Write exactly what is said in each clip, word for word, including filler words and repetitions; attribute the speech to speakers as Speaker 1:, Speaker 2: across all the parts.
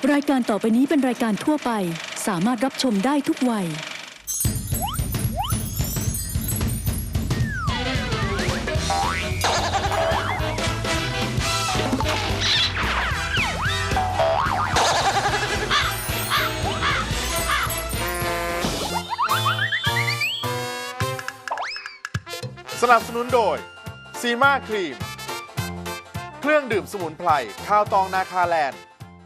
Speaker 1: รายการต่อไปนี้เป็นรายการทั่วไปสามารถรับชมได้ทุกวัย
Speaker 2: สนับสนุนโดยซีมาครีมเครื่องดื่มสมุนไพรข้าวตองนาคาแลนด์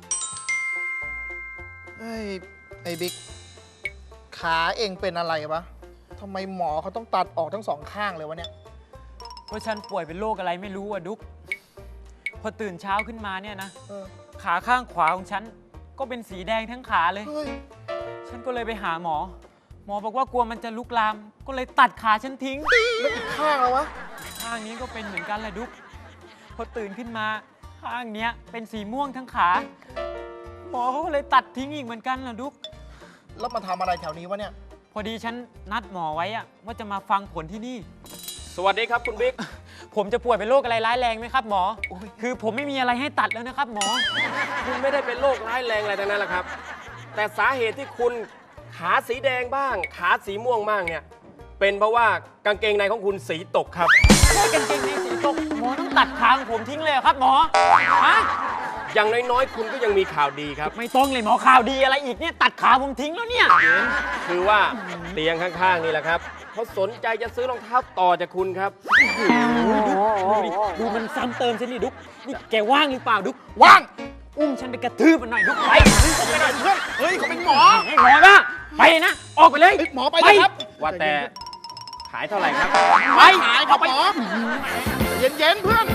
Speaker 3: เฮ้ยไอ้บิ๊กขาเองเป็นอะไรวะทำไมหมอเขาต้องตัดออกทั้งสองข้างเลยวะเนี่ย
Speaker 4: ก็ฉันป่วยเป็นโรคอะไรไม่รู้อะดุ๊กพอตื่นเช้าขึ้นมาเนี่ยนะขาข้างขวาของฉันก็เป็นสีแดงทั้งขาเลยฉันก็เลยไปหาหมอหมอบอกว่ากลัวมันจะลุกลามก็เลยตัดขาฉันทิ้ง
Speaker 3: แล้วอีกข้างแล้ววะ
Speaker 4: ข้างนี้ก็เป็นเหมือนกันแหละดุ๊กพอตื่นขึ้นมาข้างเนี้ยเป็นสีม่วงทั้งขาหมอเขาก็เลยตัดทิ้งอีกเหมือนกันแหละดุ๊ก
Speaker 3: แล้วมาทำอะไรแถวนี้วะเนี่ย
Speaker 4: พอดีฉันนัดหมอไว้อะว่าจะมาฟังผลที่นี่
Speaker 5: สวัสดีครับคุณบิ๊ก
Speaker 4: ผมจะป่วยเป็นโรคอะไรร้ายแรงไหมครับหมอคือผมไม่มีอะไรให้ตัดแล้วนะครับหมอ
Speaker 5: คุณไม่ได้เป็นโรคร้ายแรงอะไรทั้งนั้นแหละครับแต่สาเหตุที่คุณขาสีแดงบ้างขาสีม่วงบ้างเนี่ยเป็นเพราะว่ากางเกงในของคุณสีตกครับ
Speaker 4: แค่กางเกงในสีตกหมอต้องตัดขาของผมทิ้งเลยครับหมอฮะ
Speaker 5: อย่างน้อยๆคุณก็ยังมีข่าวดีครับ
Speaker 4: ไม่ต้องเลยหมอข่าวดีอะไรอีกเนี่ยตัดขาผมทิ้งแล้วเนี่ย
Speaker 5: คือว่าเตียงข้างๆนี่แหละครับเขาสนใจจะซื้อรองเท้าต่อจากคุณครับ
Speaker 4: ดูดิดูมันซ้ำเติมฉันนี่ดุ๊กนี่แกว่างหรือเปล่าดุ๊ก
Speaker 3: ว่าง
Speaker 4: อุ้มฉันไปกระทืบมันหน่อยดุ๊กไป
Speaker 3: ไปหน่อยเพื่อนเฮ้ยเขาเป็นหมอ
Speaker 4: หมอนะไปนะออกไปเลย
Speaker 3: หมอไปเลยครับ
Speaker 5: ว่าแต่ขายเท่าไหร่ครับ
Speaker 3: ไปขายครับหมอเย็นๆเพื่อน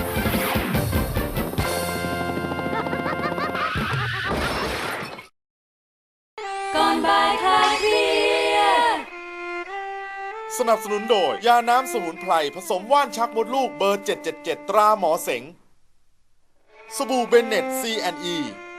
Speaker 2: ก่อนบ่ายคลายเครียดสนับสนุนโดยยาน้ำสมุนไพรผสมว่านชักมดลูกเบอร์เจ็ดเจ็ดเจ็ดตราหมอเสงสบู่เบนเน็ต ซี แอนด์ อี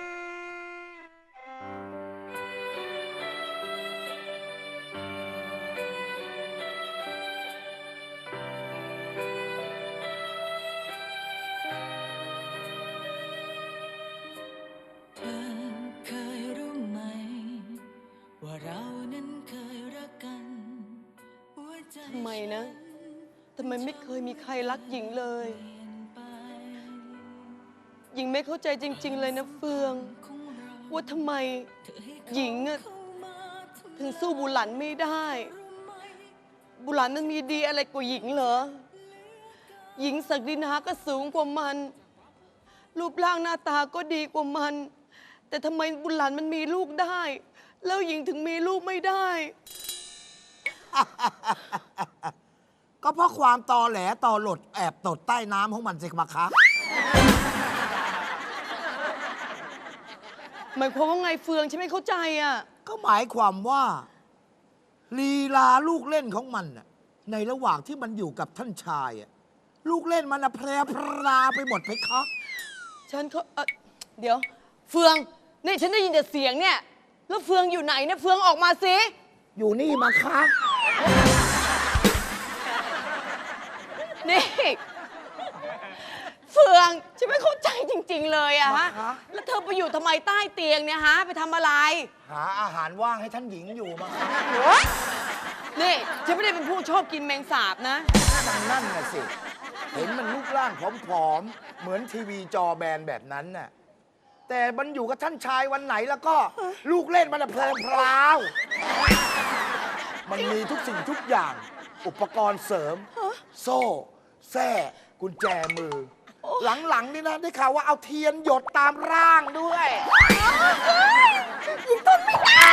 Speaker 6: ทำไมนะทำไมไม่เคยมีใครรักหญิงเลยหญิงไม่เข้าใจจริงๆเลยนะเฟืองว่าทำไมหญิงถึงสู้บุหลันไม่ได้บุหลันมันมีดีอะไรกว่าหญิงเหรอหญิงศักดินาก็สูงกว่ามันรูปร่างหน้าตาก็ดีกว่ามันแต่ทำไมบุหลันมันมีลูกได้แล้วหญิงถึงมีลูกไม่ได้
Speaker 7: ก็เพราะความตอแหลตอหลดแอบตดใต้น้ำของมันสิมาคะ
Speaker 6: หมายความว่าไงเฟืองฉันไม่เข้าใจอ่ะ
Speaker 7: ก็หมายความว่าลีลาลูกเล่นของมันในระหว่างที่มันอยู่กับท่านชายลูกเล่นมันแพร่พราไปหมดไปคะ
Speaker 6: ฉันเขาเเดี๋ยวเฟืองนี่ฉันได้ยินแต่เสียงเนี่ยแล้วเฟืองอยู่ไหนเนี่ยเฟืองออกมาสิ
Speaker 7: อยู่นี่มาคะ
Speaker 6: นี่เฟืองฉันไม่เข้าใจจริงๆเลยอะฮะแล้วเธอไปอยู่ทำไมใต้เตียงเนี่ยฮะไปทำอะไร
Speaker 7: หาอาหารว่างให้ท่านหญิงอยู่มาคะ
Speaker 6: นี่ฉันไม่ได้เป็นผู้ชอบกินแมงสาบนะ
Speaker 7: นั่นน่ะสิเห็นมันรูปร่างผอมๆเหมือนทีวีจอแบนแบบนั้นน่ะแต่มันอยู่กับท่านชายวันไหนแล้วก็ลูกเล่นมันเพลินพราวมันมีทุกสิ่งทุกอย่างอุปกรณ์เสริมโซ่แส้กุญแจมือหลังๆนี่นะได้ข่าวว่าเอาเทียนหยดตามร่างด้วย
Speaker 6: ยิงทนไม่ได้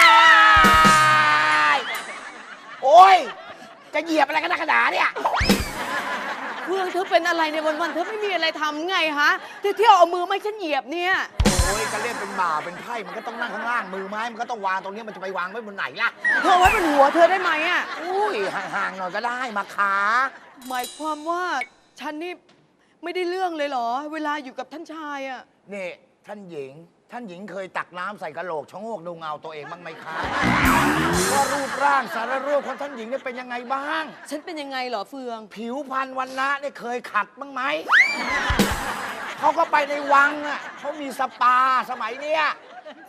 Speaker 7: โอ้ยจะเหยียบอะไรกันนักขนาดเนี่ย
Speaker 6: เพื่อนเธอเป็นอะไรในวันๆเธอไม่มีอะไรทำไงฮะเที่ยวเอามือไม่ฉันเหยียบเนี่ย
Speaker 7: โอ้ยก็เล่นเป็นบ่าเป็นไพ่มันก็ต้องนั่งข้างล่างมือไม้มันก็ต้องวางตรงนี้มันจะไปวางไว้บนไหนล่ะ
Speaker 6: เธอไว้บนหัวเธอได้ไหมอ่ะ
Speaker 7: อุ้ยห่างๆหน่อยก็ได้มาขา
Speaker 6: หมายความว่าฉันนี่ไม่ได้เรื่องเลยเหรอเวลาอยู่กับท่านชายอ่ะ
Speaker 7: นี่ท่านหญิงท่านหญิงเคยตักน้ำใส่กระโหลกชะโงกดูเงาตัวเองบ้างไหมคะว่ารูปร่างสารรูปของท่านหญิงเนี่ยเป็นยังไงบ้าง
Speaker 6: ฉันเป็นยังไงเหรอเฟือง
Speaker 7: ผิวพรรณวรรณะเนี่ยเคยขัดบ้างไหมเขาก็ไปในวังอ่ะเขามีสปาสมัยเนี้ย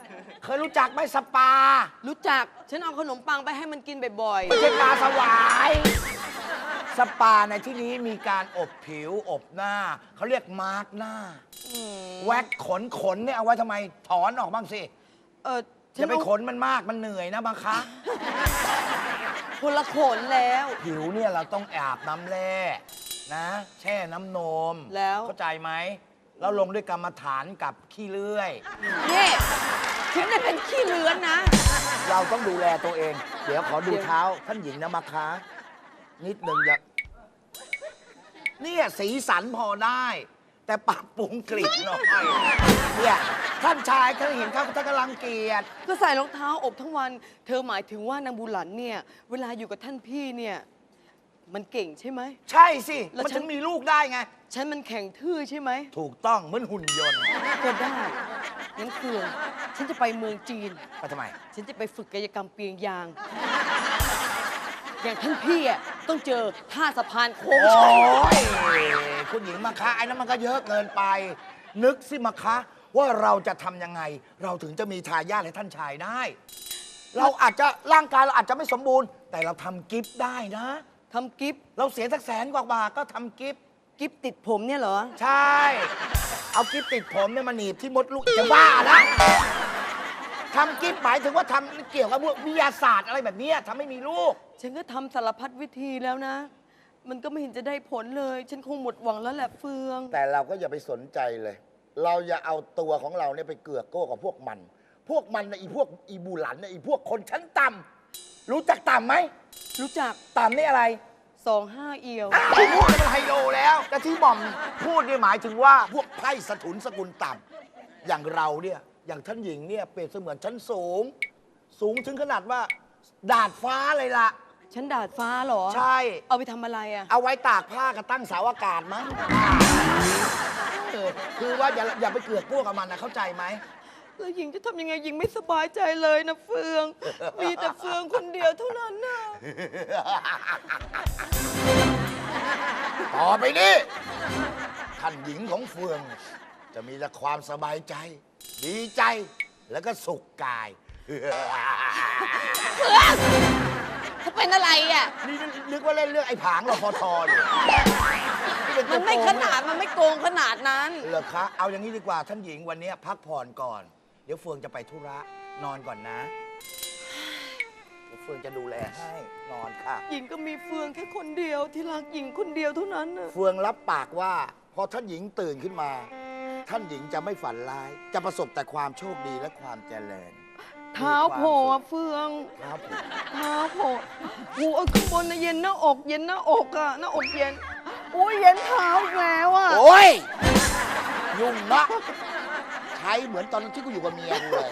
Speaker 7: เคยรู้จักไหมสปา
Speaker 6: รู้จัก ฉันเอาขนมปังไปให้มันกินบ่อย
Speaker 7: ไม่ใช่ปลาสวาย สปาในที่นี้มีการอบผิวอบหน้า เขาเรียกมาร์กหน้า แว็กขนขนเนี่ยเอาไว้ทำไมถอนออกบ้างสิ
Speaker 6: ๆ เออฉั
Speaker 7: อย่าไป
Speaker 6: เอา
Speaker 7: ขนมันมากมันเหนื่อยนะบางคะ
Speaker 6: คนละขนแล้ว
Speaker 7: ผิวเนี่ยเราต้องอาบน้ำแร่นะ แช่น้ำนม
Speaker 6: แล้ว
Speaker 7: เข้าใจไหมแล้วลงด้วยกรรมฐานกับขี้เลื่อย
Speaker 6: นี่ฉันเนี่ยเป็นขี้เลื้อนนะ
Speaker 7: เราต้องดูแลตัวเอง เดี๋ยวขอดูเท้าท่านหญิงนะมาคะนิดหนึ่งอย่าเนี่ยสีสันพอได้ แต่ปรับปรุงกลิ่นหน่อยเนี่ยท่านชายท่านเห็นเขาท่านกำลังเกียจ
Speaker 6: ก็ใส่รองเท้าอบทั้งวัน เธอหมายถึงว่านางบุหลันเนี่ย เวลาอยู่กับท่านพี่เนี่ย มันเก่งใช่ไหม
Speaker 7: ใช่สิ
Speaker 6: แล้ว
Speaker 7: มัน
Speaker 6: ฉั
Speaker 7: ถึ
Speaker 6: น
Speaker 7: งมีลูกได้ไง
Speaker 6: ฉันมันแข็งทื่อใช่ไหม
Speaker 7: ถูกต้องเหมือนหุ่นยนต์
Speaker 6: ก็ได้งั้นเฟืองฉันจะไปเมืองจีน
Speaker 7: ไปทำไม
Speaker 6: ฉันจะไปฝึกกายกรรมเปียงยาง อย่างท่านพี่อ่ะต้องเจอท่าสะพานโค้ง
Speaker 7: โอ้
Speaker 6: ชัน
Speaker 7: ยคุณหญิงมาคะไอ้นั้นมันก็เยอะเกินไป นึกสิมาคะว่าเราจะทำยังไง เราถึงจะมีทายาทให้ท่านชายได้ เราอาจจะร่างกายเราอาจจะไม่สมบูรณ์ แต่เราทำกิฟต์ได้นะ
Speaker 6: ทำกิฟต์
Speaker 7: เราเสียสักแสนกว่าบาทก็ทำกิฟต์
Speaker 6: กิฟต์ติดผมเนี่ยเหรอ
Speaker 7: ใช่ เอากิฟต์ติดผมเนี่ยมาหนีบที่มดลูกจะบ้าละทำกิฟต์หมายถึงว่าทำเกี่ยวกับพวกวิทยาศาสตร์อะไรแบบเนี้ยทำให้มีลูก
Speaker 6: ฉันก็ทำสารพัดวิธีแล้วนะ มันก็ไม่เห็นจะได้ผลเลย ฉันคงหมดหวังแล้วแหละเฟือง
Speaker 7: แต่เราก็อย่าไปสนใจเลย เราอย่าเอาตัวของเราเนี่ยไปเกือกโก้กับพวกมัน พวกมันนะอีพวกอีบูหลันนะอีพวกคนชั้นต่ำรู้จักต่ำไหม
Speaker 6: รู้จัก
Speaker 7: ต่ำนี่อะไร
Speaker 6: สองห้าเอียว
Speaker 7: อ้าวพูดมันไฮโลแล้วแต่ที่หม่อมพูดเนี่ยหมายถึงว่าพวกไพร่สถุนสกุลต่ำอย่างเราเนี่ยอย่างท่านหญิงเนี่ยเปรียบเสมือนชั้นสูง สูงถึงขนาดว่า ดาดฟ้าเลยล่ะ
Speaker 6: ฉันดาดฟ้าเหรอ
Speaker 7: ใช่
Speaker 6: เอาไปทำอะไรอ่ะ
Speaker 7: เอาไว้ตากผ้ากับตั้งเสาอากาศมั้งเออคือว่าอย่าอย่าไปเกือกพวกกับมันนะเข้าใจไหม
Speaker 6: แล้วหญิงจะทำยังไงหญิงไม่สบายใจเลยนะเฟือง มีแต่เฟืองคนเดียวเท่านั้นนะ
Speaker 7: ต่อไปนี้ท่านหญิงของเฟือง จะมีแต่ความสบายใจ ดีใจแล้วก็สุขกาย
Speaker 6: เขาเป็นอะไรอ่ะ
Speaker 7: นี่นึกว่าเล่นเรื่องไอ้ผางรพทอยู่
Speaker 6: มันไม่ขนาด มันไม่โกงขนาดนั้น
Speaker 7: เหรอคะเอาอย่างนี้ดีกว่าท่านหญิงวันนี้พักผ่อนก่อน เดี๋ยวเฟืองจะไปธุระนอนก่อนนะเดี๋ยวเฟืองจะดูแลให้นอนค่ะ
Speaker 6: หญิงก็มีเฟืองแค่คนเดียวที่รักหญิงคนเดียวเท่านั้นน่ะ
Speaker 7: เฟืองรับปากว่าพอท่านหญิงตื่นขึ้นมา ท่านหญิงจะไม่ฝันร้าย จะประสบแต่ความโชคดีและความเจริญ
Speaker 6: เท้าโผล่อะเฟือง
Speaker 7: ครับผม
Speaker 6: เท้าโผล่หูเอาข้างบนนะเย็นหน้าอก เย็นหน้าอกอะหน้าอกเย็นอุ้ยเย็นเท้าอีกแล้วอะ
Speaker 7: โอ้ยยุ่งนะใช้เหมือนตอนที่กูอยู่กับเมียกูเลย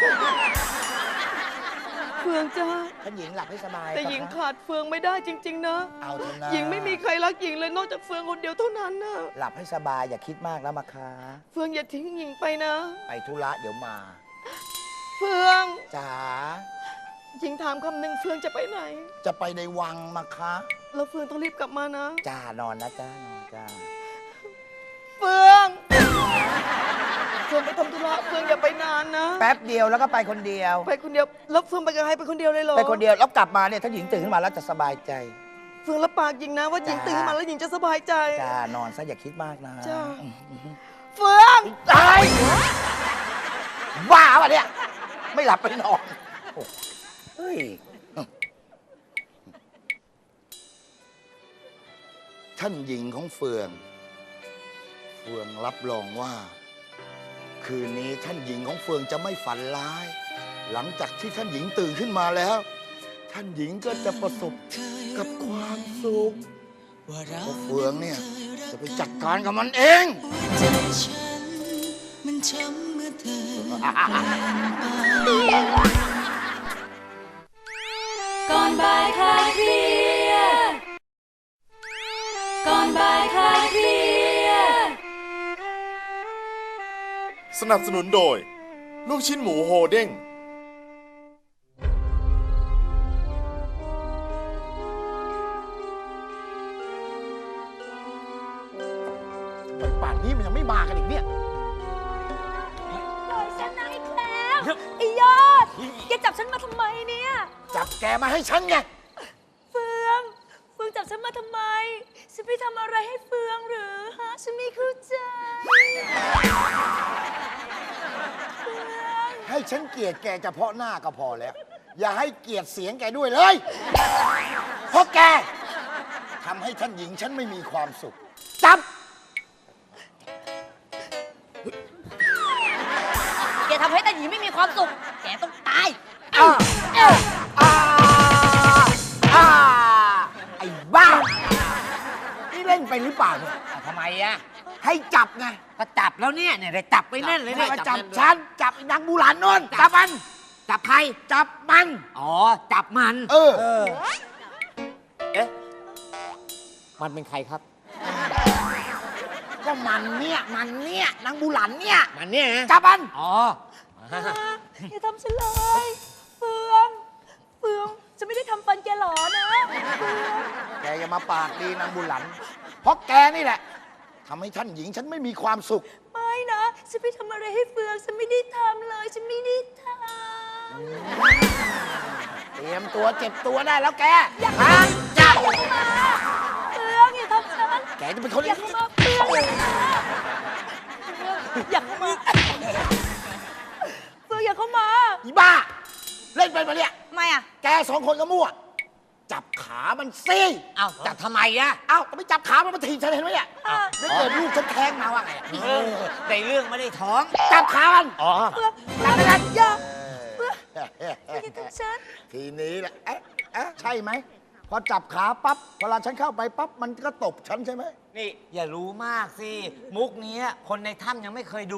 Speaker 6: เฟืองจ้า
Speaker 7: ท่านหญิงหลับให้สบาย
Speaker 6: แต่หญิง
Speaker 7: ครับ
Speaker 6: ขาดเฟืองไม่ได้จริง ๆ นะ
Speaker 7: เอาเถอะนะ
Speaker 6: หญิงไม่มีใครรักหญิงเลยนอกจากเฟืองคนเดียวเท่านั้นน่ะ
Speaker 7: หลับให้สบายอย่าคิดมากแล้วมาคะ
Speaker 6: เฟืองอย่าทิ้งหญิงไปนะ
Speaker 7: ไปธุระเดี๋ยวมา
Speaker 6: เฟือง
Speaker 7: จ๋า
Speaker 6: หญิงถามคำหนึ่งเฟืองจะไปไหน
Speaker 7: จะไปในวังมาคะ
Speaker 6: แล้วเฟืองต้องรีบกลับมานะ
Speaker 7: จ้านอนนะจ้านอนจ้า
Speaker 6: เฟือง เฟืองไปทำธุระเฟืองอย่าไปนานนะ
Speaker 7: แป๊บเดียวแล้วก็ไปคนเดียว
Speaker 6: ไปคนเดียว แล้วเฟืองไปกับใครไปคนเดียวเลยเหรอ
Speaker 7: ไปคนเดียวแล้วกลับมาเนี่ยถ้าหญิงตื่นขึ้นมาแล้วจะสบายใจ
Speaker 6: เฟืองรับปากหญิงนะว่าหญิง
Speaker 7: จ้า
Speaker 6: ตื่นมาแล้วหญิงจะสบายใจ
Speaker 7: จ้านอนซะอย่าคิดมากนะ
Speaker 6: จ้า
Speaker 7: อืมอืม
Speaker 6: เฟือง
Speaker 7: ตายบ้าปะเนี่ยไม่หลับไปนอนโอ้เฮ้ยท่านหญิงของเฟือง เฟืองรับรองว่า คืนนี้ท่านหญิงของเฟืองจะไม่ฝันร้าย หลังจากที่ท่านหญิงตื่นขึ้นมาแล้ว ท่านหญิงก็จะประสบกับความสุขเพราะเฟืองเนี่ยจะไปจัดการกับมันเอง
Speaker 8: ใจฉันมันช้ำเมื่อเธอ
Speaker 1: ก่อนบ่ายคลายเครียดก่อนบ่ายคลายเครียด
Speaker 2: สนับสนุนโดย ลูกชิ้นหมูโฮเด้ง
Speaker 7: ไปป่านนี้มันยังไม่มากันอีกเนี่ย
Speaker 9: ปล่อยฉันนะไอ้แคล้วไอ้
Speaker 1: ยอด แกจับฉันมาทำไมเนี่ย
Speaker 7: จับแกมาให้ฉันไง
Speaker 1: เฟือง เฟืองจับฉันมาทำไม ฉันไปทำอะไรให้เฟืองหรือฮะ ฉันไม่เข้าใจ เฟือง
Speaker 7: ให้ฉันเกลียดแกเฉพาะหน้าก็พอแล้ว อย่าให้เกลียดเสียงแกด้วยเลย เพราะแกทำให้ท่านหญิงฉันไม่มีความสุข จับ
Speaker 1: แกทำให้ตาหยีไม่มีความสุข แกต้องตาย
Speaker 7: อ่าอ่าอ่าอ่าไอ้บ้า นี่เล่นไปหรือเปล่าเนี่ย
Speaker 9: ทำไมอะ
Speaker 7: ให้จับไง
Speaker 9: ก็จับแล้วเนี่ยเนี่ยได้จับไปแน่นเลย
Speaker 7: ไม่
Speaker 9: เนี่ย
Speaker 7: มาจับฉัน จับไอ้นางบูหลานนนจับมัน
Speaker 9: จับใคร
Speaker 7: จับมัน
Speaker 9: อ๋อ จับมัน
Speaker 7: เออ
Speaker 9: เอ๊ะ มันเป็นใครครับ
Speaker 7: ก็มันเนี่ย มันเนี่ย นางบูหลันเนี่ย
Speaker 9: มันเนี่ยนะ
Speaker 7: จับมัน
Speaker 9: อ๋อ
Speaker 1: อย่าทำฉันเลย เฟือง เฟือง จะไม่ได้ทำฟันแกหรอนะ เฟือง
Speaker 7: แกอย่ามาปากดีนางบูหลัน เพราะแกนี่แหละทำให้ท่านหญิงฉันไม่มีความสุข
Speaker 1: ไม่นะ ฉันไปทำอะไรให้เฟือง ฉันไม่ได้ทำเลย ฉันไม่ได้ทำ
Speaker 7: เตรียมตัวเจ็บตัวได้แล้วแก
Speaker 1: อย่า
Speaker 7: ฮะ
Speaker 1: จับอย่าเข้ามาเฟืองอย่าทำฉัน
Speaker 7: แกจะเป็นคน
Speaker 1: อย่าเข้ามาเฟืองอย่าเข้ามาเฟืองอย่าเข้ามา
Speaker 7: อีบ้า เล่นเป็นปะเนี่ย
Speaker 1: ทำไมอ่ะ
Speaker 7: แกสองคนก็มั่ว จับขามันสิ
Speaker 9: เอ้า จับทำไมอะ
Speaker 7: เอ้าก็ไม่จับขามันมาถีบฉันเห็นไหมเนี่ยแล้วเกิดลูกฉันแทงมาว่าไงอะ
Speaker 9: เออในเรื่องไม่ได้ท้อง
Speaker 7: จับขามัน
Speaker 9: อ๋อ
Speaker 1: เฟืองจับไม่ได้อย่าเฟืองอย่าทำฉัน
Speaker 7: ทีนี้แหละเอ๊ะเอ๊ะใช่ไหม พอจับขาปั๊บ เวลาฉันเข้าไปปั๊บ มันก็ตบฉันใช่ไหม
Speaker 9: นี่อย่ารู้มากสิ มุกเนี้ยคนในถ้ำยังไม่เคยดู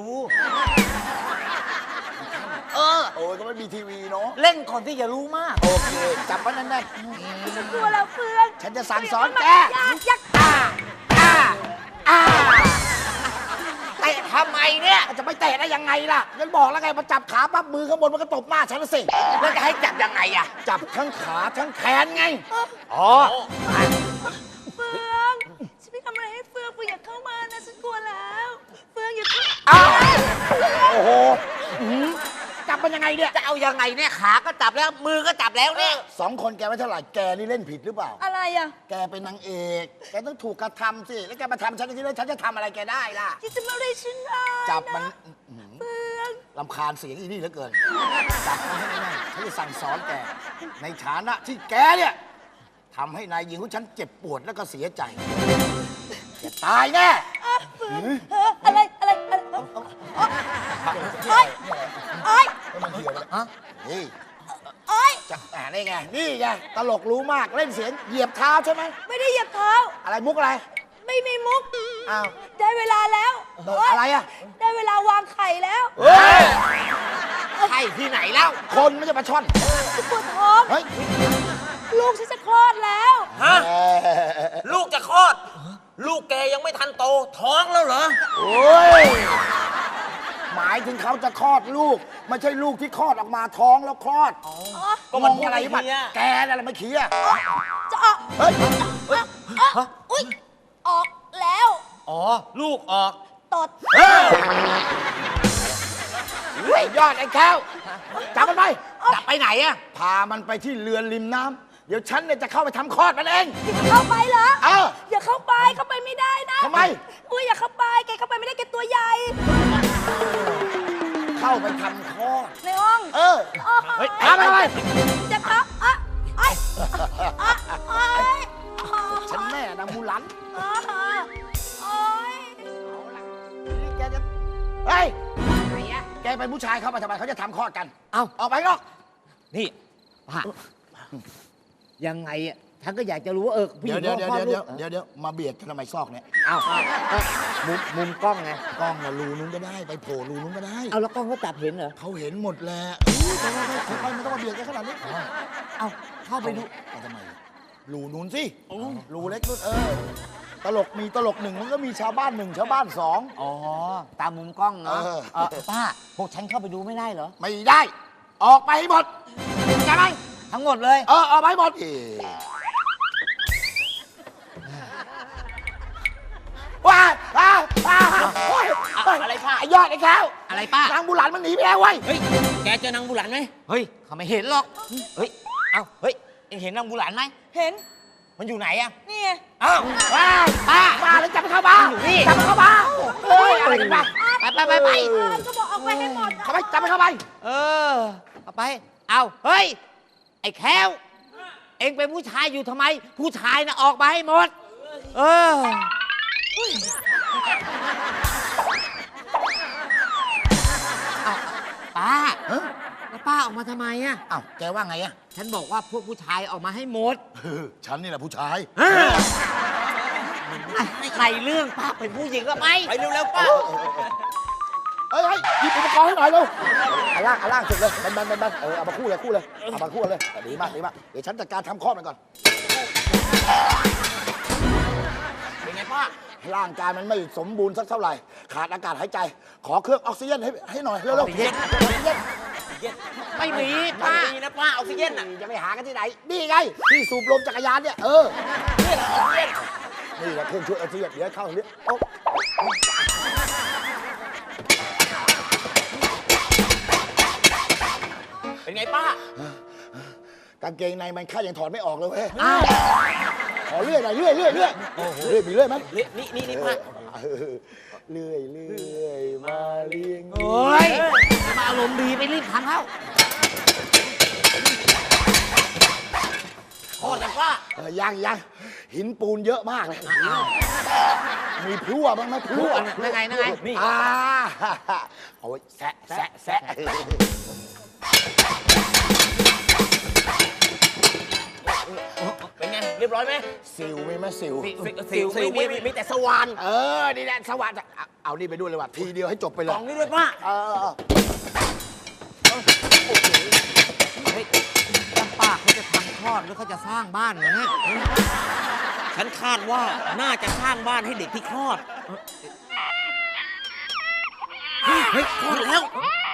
Speaker 9: เออ
Speaker 7: โอ้ยก็ไม่มีทีวีเนาะ
Speaker 9: เล่นก่อนที่อย่ารู้มาก
Speaker 7: โอเค จับมันแน่น
Speaker 1: ฉันกลัวแล้วเฟือง
Speaker 7: ๆฉันจะสั่งสอนแก
Speaker 1: อย่าอย่า
Speaker 7: อ่าอ่าอ่า
Speaker 9: เตะทำไมเนี่ย
Speaker 7: จะไม่เตะได้ยังไงล่ะฉันบอกแล้วไงพอจับขาปั๊บมือข้างบนมันก็ตบหน้าฉันนะสิ
Speaker 9: แล้วจะให้จับยังไงอะ
Speaker 7: จับทั้งขาทั้งแขนไง
Speaker 9: อ๋อ
Speaker 1: เฟืองฉันไม่ทำอะไรให้เฟืองเฟืองอย่าเข้ามานะฉันกลัวแล้วเฟืองอย่าเข้า
Speaker 7: อ้าวโอ้โหอื้อหือจับมันยังไงเนี่ย
Speaker 9: จะเอายังไงเนี่ย ขาก็จับแล้ว มือก็จับแล้วเนี่ย
Speaker 7: สองคนแกไม่เท่าไหร่ แกนี่เล่นผิดหรือเปล่า
Speaker 1: อะไรอ่ะ
Speaker 7: แกเป็นนางเอก แกต้องถูกกระทำสิ แล้วแกมาทำฉันที่แล้วฉันจะทำอะไรแกได้ล่ะ
Speaker 1: ที่จะมาได้ฉันได้
Speaker 7: จับมัน
Speaker 1: นะ
Speaker 7: อื้อหือ
Speaker 1: เฟือง
Speaker 7: ลำคาญเสียงอีนี่เหลือเกิน จับมันให้แน่ๆฉันจะสั่งสอนแก ในฐานะที่แกเนี่ยทำให้นายหญิงของฉันเจ็บปวดแล้วก็เสียใจ แกตายแน่
Speaker 1: เฟืองเอออะไรอะไรอะไรโอ๊ยโอ๊ย
Speaker 7: ให้มันเหี่ยวเลย
Speaker 9: ฮะ
Speaker 7: นี่
Speaker 1: โอ๊ย
Speaker 7: จับอ่านี่ไง นี่ไง ตลกรู้มาก เล่นเสียงเหยียบเท้าใช่ไหม
Speaker 1: ไม่ได้เหยียบเท้า
Speaker 7: อะไรมุกอะไร
Speaker 1: ไม่มีมุก
Speaker 7: อ้าว
Speaker 1: ได้เวลาแล้ว
Speaker 7: เอออะไรอะ
Speaker 1: ได้เวลาวางไข่แล้ว
Speaker 7: เฮ้ย
Speaker 9: ใช่ที่ไหนแล้ว
Speaker 7: คนไม่ใช่ปลาช่อน
Speaker 1: ฉันปวดท้อง
Speaker 7: เฮ้ย
Speaker 1: ลูกฉันจะคลอดแล้ว
Speaker 9: ฮะ ลูกจะคลอด ลูกแกยังไม่ทันโต ท้องแล้วเหรอ
Speaker 7: โอ้ย หมายถึงเขาจะคลอดลูก ไม่ใช่ลูกที่คลอดออกมาท้องแล้วคลอด
Speaker 9: ก็มัน
Speaker 7: งงอะไร
Speaker 9: พูด
Speaker 7: บั
Speaker 9: ไม่
Speaker 7: ด
Speaker 9: เคลียร์
Speaker 7: แกนั่นแหละไม่เคลียร์
Speaker 1: จะออก
Speaker 7: เฮ้ย
Speaker 1: อ่ะอุ๊ย ออกแล้ว
Speaker 9: อ๋อ ลูกออก
Speaker 1: ตด
Speaker 7: เฮ้ยเฮ้ยยอดไอ้แก้วจับมันไป
Speaker 9: จับไปไหนอะ
Speaker 7: พามันไปที่เรือนริมน้ำเดี๋ยวฉันเนี่ยจะเข้าไปทำคลอดมันเอง
Speaker 1: อย่าเข้าไปเหรอ
Speaker 7: เออ
Speaker 1: อย่าเข้าไป เข้าไปไม่ได้นะ
Speaker 7: ทำไม
Speaker 1: อุ้ยอย่าเข้าไป แกเข้าไปไม่ได้แกตัวใหญ่
Speaker 7: เข้าไปทำคลอด
Speaker 1: ในห้อง
Speaker 7: เออ
Speaker 1: เฮ้ย
Speaker 7: พามันไป
Speaker 1: จะเข้าอ่ะไอ้อ่ะไอ้
Speaker 7: ฉันแม่นางมูหลัน
Speaker 1: อ่ะโอ๊ย
Speaker 7: นี่แกจะ เฮ้ย แกเป็นผู้ชายเข้ามาทำไมเขาจะทำคลอดกัน
Speaker 9: เอ้า
Speaker 7: ออกไปนอก
Speaker 9: นี่ป้ายังไงอะฉันก็อยากจะรู้ว่าเออผู้ห
Speaker 7: เดี๋
Speaker 9: ญิ
Speaker 7: ยว
Speaker 9: ง
Speaker 7: เดี๋ยว
Speaker 9: เขา
Speaker 7: เดี๋ยว
Speaker 9: คลอ
Speaker 7: เดี๋ยว
Speaker 9: ลูก
Speaker 7: เดี๋ยวเดี๋ยวมาเบียดกันทำไมซอกเนี่ย
Speaker 9: เอ้าก็มุมมุมกล้องไง
Speaker 7: กล้องน่ะรูนู้นก็ได้ ไปโผล่รูนู้นก็ได้
Speaker 9: เอาแล้วกล้องเขาจับเห็นเหรอ
Speaker 7: เขาเห็นหมดแหละอุ๊ยแต่ว่าไม่ค่อยๆไม่ต้องมาเบียดกันขนาดนี้
Speaker 9: เอาเข้าไปดู
Speaker 7: ไปทำไมรูนู้นสิรูเล็กนู้นเออ ตลกมีตลกหนึ่งมันก็มีชาวบ้านหนึ่งชาวบ้านสอง
Speaker 9: อ๋อ ตามมุมกล้องเนาะ
Speaker 7: เออ
Speaker 9: เออป้า พวกฉันเข้าไปดูไม่ได้เหรอ
Speaker 7: ไม่ได้ ออกไปให้หมดใช่ไหม
Speaker 9: ทั้งหมดเลย
Speaker 7: เออออกไปให้หมดเอ๊ะว้ายอ้าวอ้าวโอ๊ย
Speaker 9: อะไรป้า
Speaker 7: ไอ้ยอดไอ้แก้ว
Speaker 9: อะไรป้าน
Speaker 7: างบุหลันมันหนีไปแล้วเว้ย
Speaker 9: เฮ้ย แกเจอนางบุหลันไหมเฮ้ยเขาไม่เห็นหรอก เฮ้ย เอ้า เฮ้ย เอ็งเห็นนางบุหลันไหม
Speaker 6: เห็น
Speaker 9: มันอยู่ไหนอะ
Speaker 6: นี่ไง
Speaker 9: อ้าว
Speaker 7: ว้ายป้าป้าแล้วจับมันเข้าบ้าน
Speaker 9: อยู่นี่
Speaker 7: จับมันเข้าบ้านเฮ้ยอะไรกันวะ
Speaker 9: ไปไปไปไป
Speaker 6: ก็บอกออกไปให้หมด
Speaker 7: เข้าไปจับมันเข้าไป
Speaker 9: เออ เอาไป เอาเฮ้ย ไอ้แค้ว เอ็งเป็นผู้ชายอยู่ทำไม ผู้ชายน่ะออกมาให้หมด เออ เอาป้าแล้วป้าออกมาทำไมอะ
Speaker 7: อ้าวแกว่าไงอะ
Speaker 9: ฉันบอกว่าพวกผู้ชายออกมาให้หมด
Speaker 7: เออฉันนี่แหละผู้ชาย
Speaker 9: ในเรื่องป้าเป็นผู้หญิงก็ไปไปเร็วๆป้า
Speaker 7: เฮ้ยเฮ้ยหยิบอุปกรณ์ให้หน่อยเร็วเอาล่างเอาล่างสุดเลยบันบันบันบันเออเอามาคู่เลยคู่เลยเอามาคู่เลยดีมากดีมากเดี๋ยวฉันจัดการทำข้อมันก่อน
Speaker 9: เป็นไงป้า
Speaker 7: ร่างกายมันไม่สมบูรณ์สักเท่าไหร่ ขาดอากาศหายใจ ขอเครื่องออกซิเจนให้ให้หน่อยเร็วๆออกซิเจน
Speaker 9: ไม่มีป้ามีนะป้าออกซิเจนอ่ะ
Speaker 7: จะไปหากันที่ไหน นี่ไง ที่สูบลมจักรยานเนี่ย เออนี่แหละเครื่องช่วยออกซิเจนเดี๋ยวเข้าเนี้ยโอ๊ะ
Speaker 9: เป็นไงป้าก
Speaker 7: างเกงในมันข้ายังถอดไม่ออกเลยเว้ยขอเลื่อยหน่อยเลื่อยเลื่อยเลื่อยเลื่อยมีเลื่อยไหม
Speaker 9: นี่นี่นี่นี่ป้า
Speaker 7: เออเลื่อยเลื่อยมาเลี้ยง
Speaker 9: โอ้ยมาอารมณ์ดีไปรีบทำเข้าโคตรเลยป้า
Speaker 7: เออยังยังหินปูนเยอะมากเลยมีพลั่วบ้างไหมพลั่ว
Speaker 9: นั่นไงนั่นไงนี่
Speaker 7: อ่าเอาไว้แซะแซะแซะ
Speaker 9: เป็นไงเรียบร้อยไหม
Speaker 7: สิวมีไหมสิว
Speaker 9: สิวไม่มีมีแต่สว่าน
Speaker 7: เออ นี่แหละสวัสดิ์เอาเอานี่ไปด้วยเลยว่ะ ทีเดียวให้จบไปเล
Speaker 9: ก
Speaker 7: ย
Speaker 9: ล่องนี้ด้วยป้า
Speaker 7: เออเออ
Speaker 9: เฮ้ยแล้วป้าเขาจะทำคลอดหรือเขาจะสร้างบ้านเหรอเนี่ยฉันคาดว่าน่าจะสร้างบ้านให้เด็กที่คลอดเฮ้ยเฮ้ยคลอดแล้ว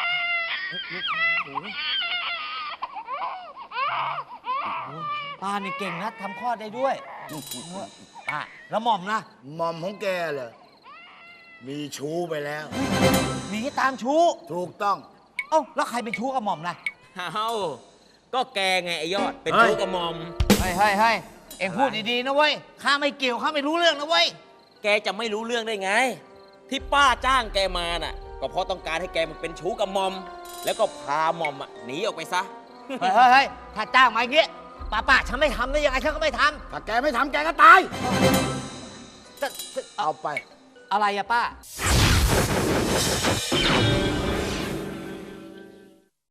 Speaker 9: ป้านี่เก่งนะทำคลอดได้ด้วยป้าแล้วหม่อมนะ
Speaker 7: หม่อมของแกเหรอมีชู้ไปแล้ว
Speaker 9: หนีตามชู้
Speaker 7: ถูกต้อง
Speaker 9: เอ้าแล้วใครเป็นชู้กับหม่อมล่ะ
Speaker 10: เอ้าก็แกไงไอ้ยอด เป็นชู้กับมอม
Speaker 9: เฮ้ยเฮ้ยเฮ้ยเอ็งพูดดีๆนะเว้ยข้าไม่เกี่ยวข้าไม่รู้เรื่องนะเว้ย
Speaker 10: แกจะไม่รู้เรื่องได้ไง ที่ป้าจ้างแกมาน่ะ ก็เพราะต้องการให้แกมันเป็นชู้กับมอม แล้วก็พามอมอ่ะหนีออกไปซะ
Speaker 9: เฮ้ยเฮ้ยเฮ้ยถ้าจ้างมาอย่างงี้ป้าป้าฉันไม่ทำได้ยังไงฉันก็ไม่ท
Speaker 7: ถ้าแกไม่ทำแกก็ตาย
Speaker 9: ำจะจะ
Speaker 7: เอาไป
Speaker 9: อะไรอะป้า